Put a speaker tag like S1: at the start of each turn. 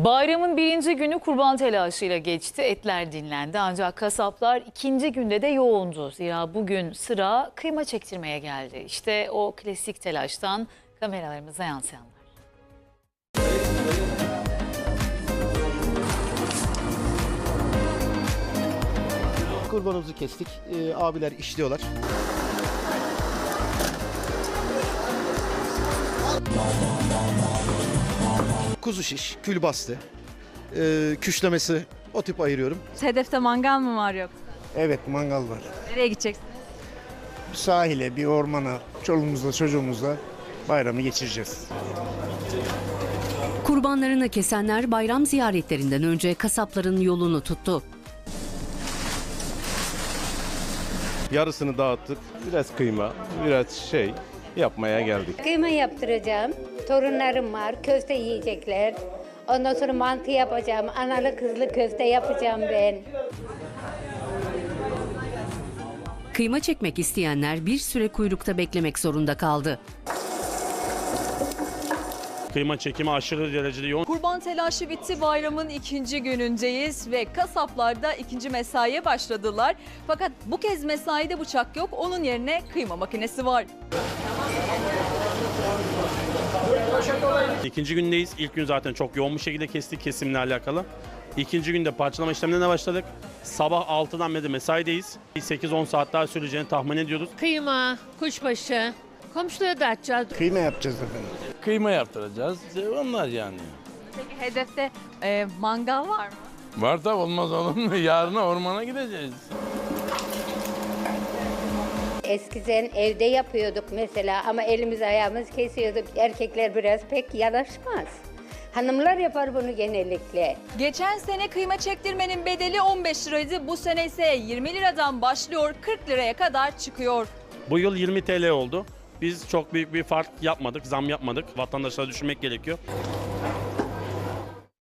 S1: Bayramın birinci günü kurban telaşıyla geçti. Etler dinlendi ancak kasaplar ikinci günde de yoğundu. Zira bugün sıra kıyma çektirmeye geldi. İşte o klasik telaştan kameralarımıza yansıyanlar.
S2: Kurbanımızı kestik. Abiler işliyorlar. Kuzu şiş, külbastı, küşlemesi o tip ayırıyorum.
S3: Hedefte mangal mı var yoksa?
S4: Evet, mangal var.
S3: Nereye gideceksin?
S4: Bir sahile, bir ormana, çoluğumuzla çocuğumuzla bayramı geçireceğiz.
S5: Kurbanlarını kesenler bayram ziyaretlerinden önce kasapların yolunu tuttu.
S6: Yarısını dağıttık. Biraz kıyma, biraz yapmaya geldik.
S7: Kıyma yaptıracağım. Torunlarım var. Köfte yiyecekler. Ondan sonra mantı yapacağım. Analı kızlı köfte yapacağım ben.
S5: Kıyma çekmek isteyenler bir süre kuyrukta beklemek zorunda kaldı.
S8: Kıyma çekimi aşırı derecede yoğun.
S3: Kurban telaşı bitti, bayramın ikinci günündeyiz ve kasaplarda ikinci mesaiye başladılar. Fakat bu kez mesaide bıçak yok, onun yerine kıyma makinesi var.
S8: İkinci gündeyiz. İlk gün zaten çok yoğun bir şekilde kestik kesimle alakalı. İkinci günde parçalama işlemlerine başladık. Sabah 6'dan beri mesaideyiz. 8-10 saat daha süreceğini tahmin ediyoruz.
S9: Kıyma, kuşbaşı, komşulara dağıtacağız.
S4: Kıyma yapacağız efendim.
S10: Kıyma yaptıracağız. Onlar yani.
S3: Peki hedefte mangal var mı?
S10: Var da olmaz olur mu? Yarına ormana gideceğiz.
S7: Eskiden evde yapıyorduk mesela ama elimiz ayağımız kesiyorduk. Erkekler biraz pek yanaşmaz. Hanımlar yapar bunu genellikle.
S3: Geçen sene kıyma çektirmenin bedeli 15 liraydı. Bu sene ise 20 liradan başlıyor, 40 liraya kadar çıkıyor.
S8: Bu yıl 20 TL oldu. Biz çok büyük bir fark yapmadık, zam yapmadık. Vatandaşlara düşünmek gerekiyor.